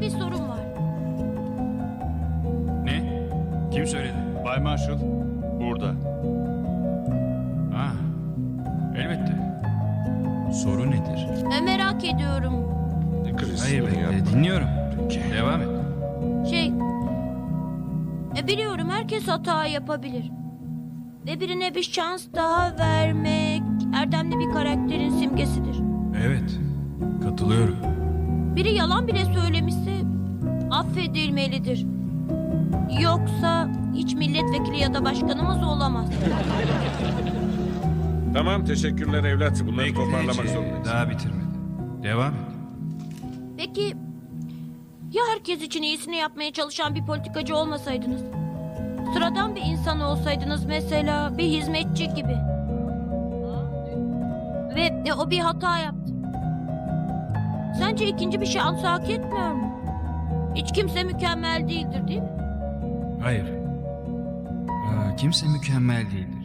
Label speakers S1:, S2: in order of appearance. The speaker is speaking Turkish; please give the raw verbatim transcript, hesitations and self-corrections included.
S1: bir sorun var.
S2: Ne? Kim söyledi?
S3: Bay Marshall, burada.
S2: Ha, elbette. Soru nedir?
S1: E, merak ediyorum.
S4: Chris,
S2: Hayır
S4: bunu
S2: bekle,
S4: yapma.
S2: dinliyorum.
S4: Peki.
S2: Devam et.
S1: Şey... E, biliyorum herkes hata yapabilir. Ve birine bir şans daha vermek... erdemli bir karakterin simgesidir.
S2: Evet, katılıyorum.
S1: Biri yalan bile söylemişse... affedilmelidir. Yoksa hiç milletvekili ya da başkanımız olamaz.
S4: Tamam, teşekkürler evlat. Bunları
S2: Bekle,
S4: toparlamak
S2: Ece,
S4: zorundayız.
S2: daha bitirmedi. Devam et.
S1: Peki... ya herkes için iyisini yapmaya çalışan bir politikacı olmasaydınız? Sıradan bir insan olsaydınız mesela, bir hizmetçi gibi. Ve e, o bir hata yaptı. Sence ikinci bir şans hak etmiyor mu? Hiç kimse mükemmel değildir, değil mi?
S2: Hayır. Aa, kimse mükemmel değildir.